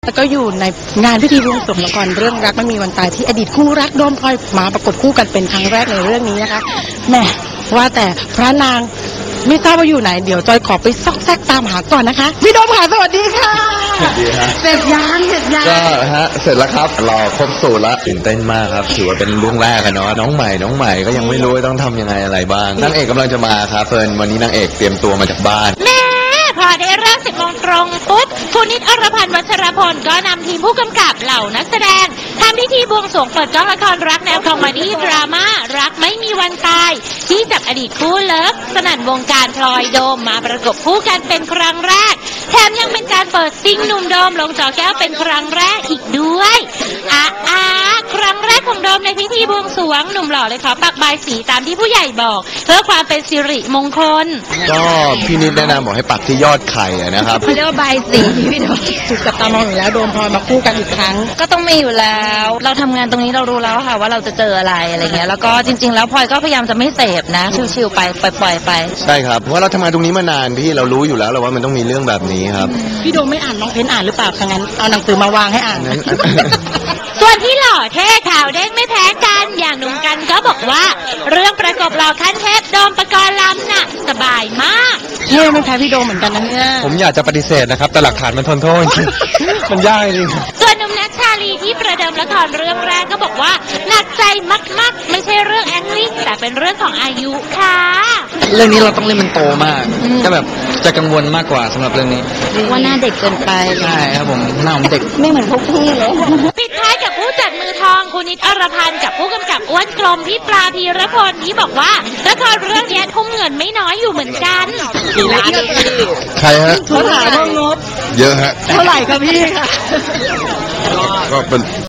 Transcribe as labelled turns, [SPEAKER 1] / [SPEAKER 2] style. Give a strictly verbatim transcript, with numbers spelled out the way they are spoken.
[SPEAKER 1] แล้วก็อยู่ในงานพิธีบวงสรวงละครเรื่องรักไม่มีวันตายที่อดีตคู่รักโดมพลอยมาปรากฏคู่กันเป็นครั้งแรกในเรื่องนี้นะคะแหมว่าแต่พระนางไม่ทราบว่าอยู่ไหนเดี๋ยวจอยขอไปซอกแซกตามหาก่อนนะคะพี่โดมค่ะสวัสดีค่ะ
[SPEAKER 2] สวัสดีฮะ
[SPEAKER 1] เสร็จยังเสร็จยัง
[SPEAKER 2] ก็ฮะเสร็จแล้วครับรอครบสูตรแล้วตื่นเต้นมากครับถือว่าเป็นเรื่องแรกอะเนาะน้องใหม่น้องใหม่ก็ยังไม่รู้ต้องทำยังไงอะไรบ้างนางเอกกำลังจะมาครับเฟิร์นวันนี้นางเอกเตรียมตัวมาจากบ้าน
[SPEAKER 3] พอได้เริ่มสิบโมงตรงปุ๊บคุณนิดอรพันธ์วัชรพลก็นำทีมผู้กำกับเหล่านักแสดงทำพิธีบวงสรวงเปิดกล้องละครรักแนวคอมเมดี้ดราม่ารักไม่มีวันตายที่จับอดีตคู่เลิฟสนั่นวงการพลอยโดมมาประกบคู่กันเป็นครั้งแรกแถมยังเป็นการเปิดซิงหนุ่มโดมลงจอแก้วเป็นครั้งแรกอีกด้วยอ่ะอ่ะครั้งแรกของโดมในพิธีบวงสรวงหนุ่มหล่อเลยขอปักใบสีตามที่ผู้ใหญ่บอกเพื่อความเป็นสิริมงคล
[SPEAKER 2] ก็พี่นิดแนะนำบอกให้ปักที่ยอดไข่นะครับ
[SPEAKER 1] เขาเรียกว่าใบสีพี่โดมถูกจับตามองอยู่แล้วโดมพลอยมาคู่กันอีกครั้ง
[SPEAKER 4] ก็ต้องมีอยู่แล้วเราทำงานตรงนี้เรารู้แล้วค่ะว่าเราจะเจออะไรอะไรเงี้ยแล้วก็จริงๆแล้วพลอยก็พยายามจะไม่เสพนะชิวๆไปปล่อยๆไป
[SPEAKER 2] ใช่ครับเพราะเราทำงานตรงนี้มานานพี่เรารู้อยู่แล้วว่ามันต้องมีเรื่องแบบนี้ครับ
[SPEAKER 1] พี่โดมไม่อ่านน้องเพนอ่านหรือเปล่าถ้างั้นเอาหนังสือมาวางให้อ่าน
[SPEAKER 3] ส่วนที่หล่อเท่ข่าวเด้งไม่แพ้กันอย่างหนุ่มกันก็บอกว่าเรื่องประกบหล่อขั้นเทพโดมปกรณ์ลำน่ะสบายมาก
[SPEAKER 1] เท่ไม่แพ้พี่โดมเหมือนกันนะเนี่ย
[SPEAKER 2] ผมอยากจะปฏิเสธนะครับแต่หลักฐานมันทนโทษมันยากจริง
[SPEAKER 3] ส่วนหนุ่มนัทชาลีที่ประเดิมละครเรื่องแรกก็บอกว่าหนักใจมากๆไม่ใช่เรื่อง acting แต่เป็นเรื่องของอายุค่ะ
[SPEAKER 5] เรื่องนี้เราต้องเล่นมันโตมากก็แบบจะกังวลมากกว่าสำหรับเรื่องนี้
[SPEAKER 4] ว่าหน้าเด็กเกินไป
[SPEAKER 5] ใช่ครับผมหน้าผมเด็ก
[SPEAKER 4] ไม่เหมือนพวกพี่เลย
[SPEAKER 3] ปิดท้ายกับผู้จัดมือทองคุณนิดอรพันธ์กับผู้กำกับอ้วนกลมพี่ปลาพีรพลที่บอกว่าละครเรื่องนี้ทุ่มเงินไม่น้อยอยู่เหมือนกัน
[SPEAKER 1] กี่ล้าน
[SPEAKER 2] ใครฮะ
[SPEAKER 1] เท่าไหร่งบ
[SPEAKER 2] เยอะฮะ
[SPEAKER 1] เท่าไหร่ครับพี่ค่ะ
[SPEAKER 2] ก็เป็น